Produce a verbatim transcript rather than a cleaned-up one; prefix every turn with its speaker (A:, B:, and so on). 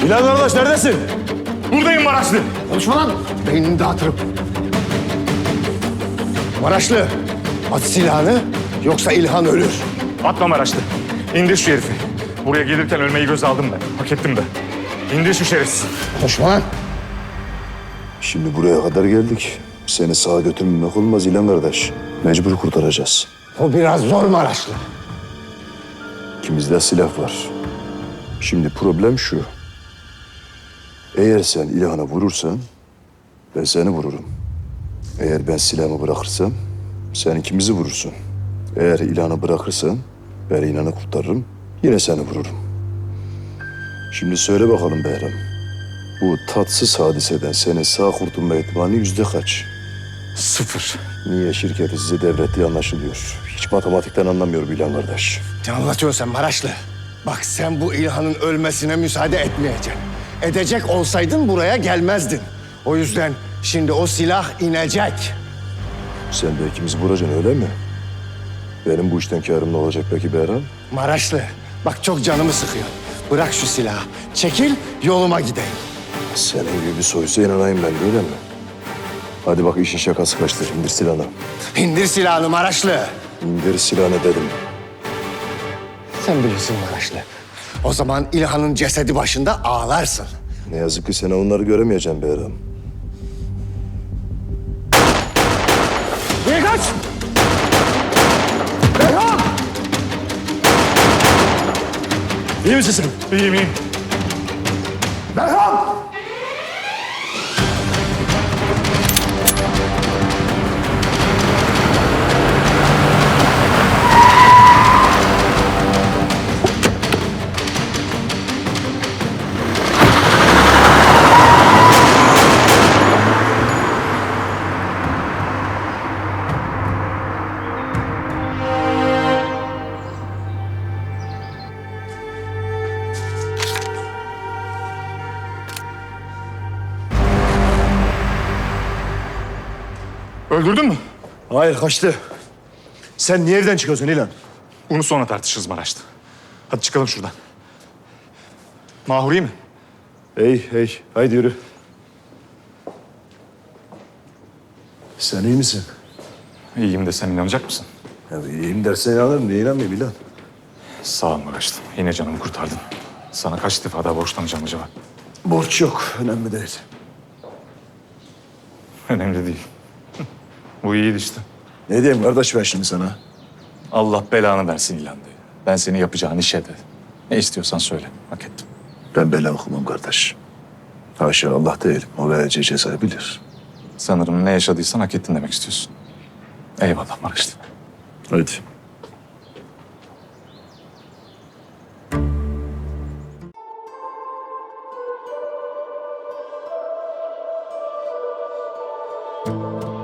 A: İlhan kardeş neredesin?
B: Buradayım Maraşlı.
C: Konuşma lan. Beynini dağıtırım. Maraşlı, at silahını yoksa İlhan ölür.
B: Atma Maraşlı. İndir şu herifi. Buraya gelirken ölmeyi göze aldım ben. Hak ettim de. İndir şu şerefsiz.
C: Konuşma lan.
A: Şimdi buraya kadar geldik. Seni sağa götürmemek olmaz İlhan kardeş. Mecbur kurtaracağız.
C: O biraz zor Maraşlı.
A: İkimizde silah var. Şimdi problem şu. Eğer sen İlhan'a vurursan ben seni vururum. Eğer ben silahımı bırakırsam sen ikimizi vurursun. Eğer İlhan'ı bırakırsan ben İlhan'ı kurtarırım. Yine seni vururum. Şimdi söyle bakalım Behram. Bu tatsız hadiseden senin sağ kurtulma ihtimali yüzde kaç?
B: Sıfır.
A: Niye şirketi size devrettiği anlaşılıyor. Hiç matematikten anlamıyorum İlhan kardeş.
C: Ne anlatıyorsun sen Maraşlı? Bak sen bu İlhan'ın ölmesine müsaade etmeyeceksin. Edecek olsaydın buraya gelmezdin. O yüzden şimdi o silah inecek.
A: Sen de ikimizi vuracaksın öyle mi? Benim bu işten kârım ne olacak peki Behram?
C: Maraşlı, bak çok canımı sıkıyor. Bırak şu silahı. Çekil, yoluma gideyim.
A: Senin gibi bir soysa inanayım ben öyle mi? Hadi bak işin şakası kaçtır. İndir silahını.
C: İndir silahını Maraşlı.
A: İndir silahını dedim.
C: Sen bilirsin Maraşlı. O zaman İlhan'ın cesedi başında ağlarsın.
A: Ne yazık ki sen onları göremeyeceğim Behram.
C: Niye kaç? Behram!
A: İyi misin sen?
B: İyiyim iyiyim.
C: Behram!
B: Öldürdün mü?
A: Hayır kaçtı. Sen niye evden çıkıyorsun İlhan?
B: Bunu sonra tartışırız Maraşlı. Hadi çıkalım şuradan. Mahur iyi mi?
A: Hey hey haydi yürü. Sen iyi misin?
B: İyiyim de sen inanacak mısın?
A: Ya iyiyim dersen inanırım. Niye inanmayayım İlhan?
B: Sağ ol Maraşlı. Yine canımı kurtardın. Sana kaç defa daha borçlanacağım acaba?
A: Borç yok. Önemli değil.
B: Önemli değil. Bu iyiydi işte.
A: Ne diyeyim kardeş ben şimdi sana?
B: Allah belanı versin İlhan diye. Ben seni yapacağın işe de. Ne istiyorsan söyle. Hak ettim.
A: Ben bela okumam kardeş. Haşa Allah değilim. O vereceği cezayı bilir.
B: Sanırım ne yaşadıysan hak ettin demek istiyorsun. Eyvallah Maraşlı.
A: Hadi.
D: Thank you.